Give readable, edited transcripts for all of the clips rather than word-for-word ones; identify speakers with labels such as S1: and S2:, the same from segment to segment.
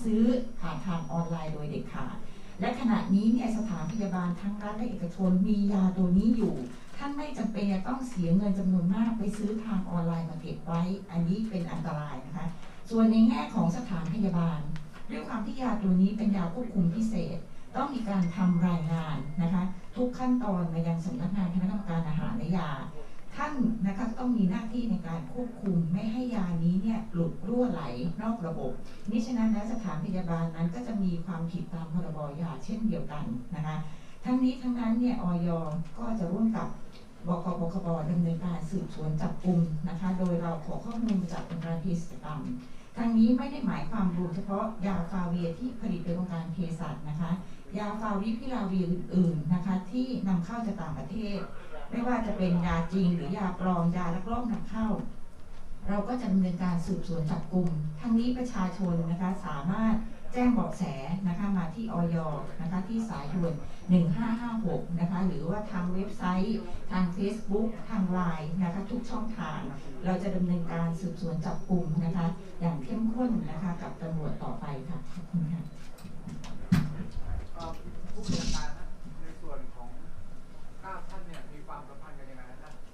S1: ซื้อผ่านทางออนไลน์โดยเด็ดขาดและขณะนี้เนี่ยสถานพยาบาลทั้งรัฐและเอกชนมียาตัวนี้อยู่ท่านไม่จำเป็นจะต้องเสียเงินจำนวนมากไปซื้อทางออนไลน์มาเก็บไว้อันนี้เป็นอันตรายนะคะส่วนในแง่ของสถานพยาบาลด้วยความที่ยาตัวนี้เป็นยาควบคุมพิเศษต้องมีการทำรายงานนะคะทุกขั้นตอนมายังสำนักงานคณะกรรมการอาหารและยาท่านนะคะต้องมีหน้าที่ในการควบคุมไม่ให้ยานี้เนี่ยหลุดรั่วไหลนอกระบบมิฉะนั้นแล้วสถานพยาบาลนั้นก็จะมีความผิดตามพรบยาเช่นเดียวกันนะคะทั้งนี้ทั้งนั้นเนี่ยอย.ก็จะร่วมกับบก.ปคบ.ดำเนินการสืบสวนจับกุมนะคะโดยเราขอข้อมูลจากองค์การเภสัชกรรมทางนี้ไม่ได้หมายความรวมเฉพาะยาฟาเวียที่ผลิตโดยองค์การเภสัชนะคะยาฟาวิพิลาเวียอื่นๆนะคะที่นำเข้าจากต่างประเทศไม่ว่าจะเป็นยาจริงหรือยาปลอมยาลักลอบนำเข้าเราก็จะดำเนินการสืบสวนจับกุมทั้งนี้ประชาชนนะคะสามารถแจ้งเบาะแสนะคะมาที่อย.นะคะที่สายด่วน1556นะคะหรือว่าทางเว็บไซต์ทาง Facebook ทาง LINE นะคะทุกช่องทางเราจะดำเนินการสืบสวนจับกุมนะคะอย่างเข้มข้นนะคะกับตำรวจต่อไปค่ะขอบคุณค่ะ
S2: ผู้บัญชาการนะในส่วนของ9ท่านเนี่ยมีความสัมพันธ์กันยังไงนะท่าน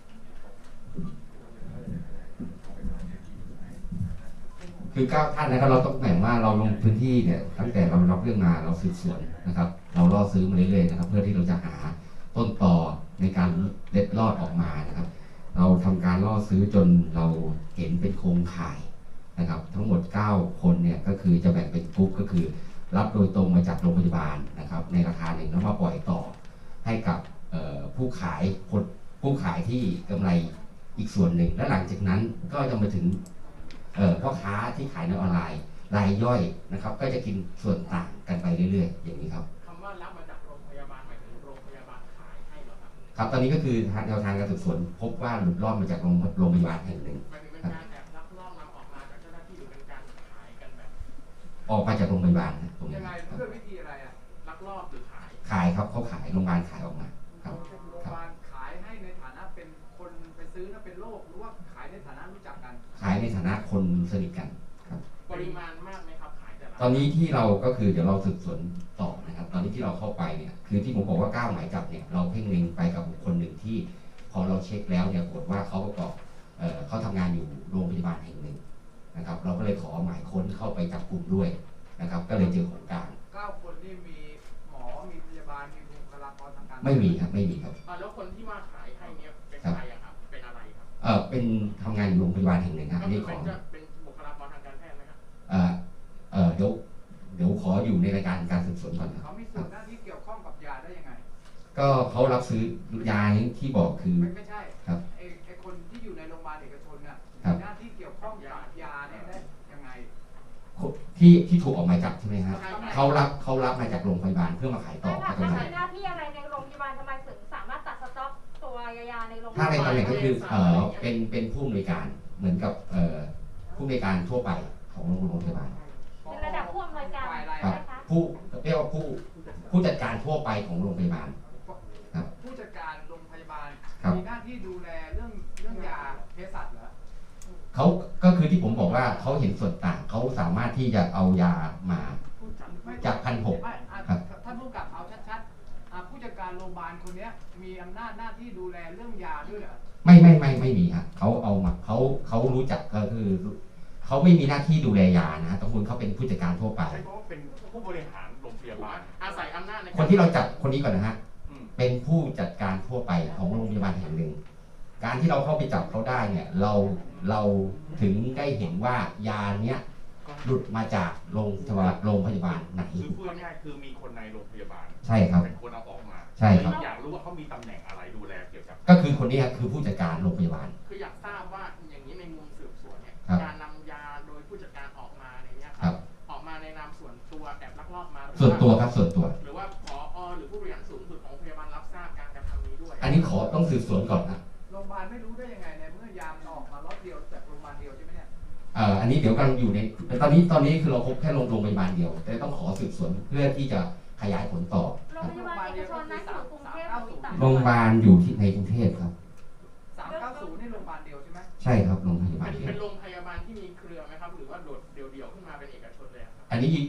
S3: คือ9ท่านนะครับเราต้องแบ่งว่าเราลงพื้นที่เนี่ยตั้งแต่เรารับเรื่องมาเราสืบสวนนะครับเราล่อซื้อมาเรื่อยๆนะครับเพื่อที่เราจะหาต้นตอในการเล็ดลอดออกมานะครับเราทำการล่อซื้อจนเราเห็นเป็นโครงข่ายนะครับทั้งหมด9คนเนี่ยก็คือจะแบ่งเป็นกลุ่มก็คือรับโดยตรงมาจากโรงพยาบาลนะครับในราคาหนึ่งแล้วมาปล่อยต่อให้กับผู้ขายที่กำไรอีกส่วนหนึ่งและหลังจากนั้นก็จะมาถึงพ่อค้าที่ขายในออนไลน์รายย่อยนะครับก็จะกินส่วนต่างกันไปเรื่อยๆอย่างนี้ครับ
S2: คำว่ารับมาจากโรงพยาบาลหมายถึงโรงพยาบาลขายให้เหรอครับ
S3: ครับตอนนี้ก็คือแนวทางการสืบสวนพบว่าหลุดรอดมาจากโรงพยาบาลแห่งหนึ่ง
S2: เป็นการแอบลักลอบนำออกมาจากเจ้าหน้าที่หรือเป็นการขายกันแบบ
S3: ออกมาจากโรงพยาบาลนะตรงนี้
S2: ยังไงเพื่อวิธีอะไรอะลักลอบหรือ
S3: ขายครับเขาขายโรงพยาบาลขายออกมาครับ
S2: โรงพยาบาลขายให้ในฐานะเป็นคนไปซื้อถ้าเป็นโรคหรือว่าขายในฐานะรู้จักกัน
S3: ขายในฐานะคนสนิทกันครับ
S2: ปริมาณมากไหมครับขายแต่ละ
S3: ตอนนี้ที่เราก็คือเดี๋ยวเราสืบสวนต่อนะครับตอนนี้ที่เราเข้าไปเนี่ยคือที่ผมบอกว่า9หมายจับเนี่ยเราเพ่งเล็งไปกับบุคคลหนึ่งที่พอเราเช็คแล้วเนี่ยปรากฏว่าเขาประกอบเขาทำงานอยู่โรงพยาบาลแห่งหนึ่งนะครับเราก็เลยขอหมายค้นเข้าไปจับกลุ่มด้วยนะครับก็เลยเจอของกลาง
S2: 9คนนี่มีหมอมีพยาบาลมีบุคลากรทางการ
S3: ไม่มีครับไม่มีครับ
S2: แล้วคนที่มาขายให้เนี่ยเป็นใครครับเป็นอะไรครับ
S3: เป็นทำงานอยู่โรงพยาบาลแห่งหนึ่งครับนี่ของ
S2: เป็นบุคลากรทางการแพทย์ไหมครับ
S3: เดี๋ยวขออยู่ในรายการสืบสวนก่อนครับ
S2: เขามีส่วนหน้าที่เกี่ยวข้องกับยาได้ยังไง
S3: ก็เขารับซื้อยาที่บอกคือ
S2: ไม่ใช่
S3: ครับ
S2: ไอ้คนที่อยู่ในโรงพยาบาลเอกชนน่ะหน้าที่เกี่ยวข้องกับยาเนี่ยได้ยังไง
S3: ที่ถูกออกหมายจับใช่ไหมครับเขารับมาจากโรงพยาบาลเพื่อมาขายต่อ
S4: แล้วมีหน้าที่อะไรในโรงพยาบาลทำไมถึงสามารถตัดสต็อกตัวยาในโรงพยาบาล
S3: ถ้าในตำแหน่งก็คือเป็นผู้อำนวยการเหมือนกับผู้อำนวยการทั่วไปของโรงพยาบาล
S4: เป็นระดับผู้อำนวยการ
S3: ครับผู้เรียกว่าผู้จัดการทั่วไปของโรงพยาบาลครับ
S2: ผู้จัดการโรงพยาบาลมีหน้าที่ดูแลเรื่องยาเภสัชเหรอ
S3: เขาก็คือที่ผมบอกว่าเขาเห็นส่วนต่างเขาสามารถที่จะเอายามาจาก1,600ครับ
S2: ท่านผู้กำกับเอาชัดๆผู้จัดการโรงพยาบาลคนนี้มีอำนาจหน้าที่ดูแลเรื่องยาด้วยเหรอ
S3: ไม่มีครับเขาเอามาเขารู้จักก็คือเขาไม่มีหน้าที่ดูแลยานะตรงนู้นเขาเป็นผู้จัดการทั่วไป
S2: ใช่เพราะว่าเป็นผู้บริหารโรงพยาบาลอาศัยอำนาจใน
S3: คนที่เราจับคนนี้ก่อนนะฮะเป็นผู้จัดการทั่วไปของโรงพยาบาลแห่งหนึ่งการที่เราเข้าไปจับเขาได้เนี่ยเราถึงได้เห็นว่ายาเนี้ยหลุดมาจากโรงพยาบาลไหน
S2: คือพูดง่ายๆคือมีคนในโรงพยาบาล
S3: ใช่ครับ
S2: เป็นคนเอาออกมา
S3: ใช่ครับ
S2: อยากรู้ว่าเขามีตำแหน่งอะไรดูแลเกี่ยวกับ
S3: ก็คือคนนี้คือผู้จัดการโรงพยาบาล
S2: คืออยากทราบว่าอย่างนี้ในมุมสืบสวนเนี่ยการนำยาโดยผู้จัดการออกมาในนี้ครับออกมาในนามส่วนตัวแอบลักลอบมา
S3: ส่วนตัวครับส่วนตัว
S2: หรือว่าผอ.หรือผู้บริหารสูงสุดของพยาบาลรับทราบการกระทำนี้ด้วย
S3: อันนี้ต้องสืบสวนก่อนนะ
S2: โรงพยาบาลไม่รู้ได้ยังไงในเมื่อยามออกมาล็อตเดียวจากโรงพยาบาลเดียวใช่ไหมเนี่ย
S3: อันนี้เดี๋ยวกำลังอยู่ในตอนนี้คือเราพบแค่โรงพยาบาลเดียวแต่ต้องขอสืบสวนเพื่อที่จะขยายผลต่อ
S4: โรงพยาบาลเอกชนนั้นอยู่กรุงเทพหรือต่าง
S3: โรงพยาบาลอยู่ที่ในกรุงเทพครับ
S2: 390นี่โรงพยาบาลเดียวใช่ไหม
S3: ใช่ครับโรงพยาบาล
S2: เป็นโรงพยาบาลที่มีเครือไหมครับหรือว่าโดดเดี่ยวขึ้นมาเป็นเอกชนเลยครับ
S3: อันนี้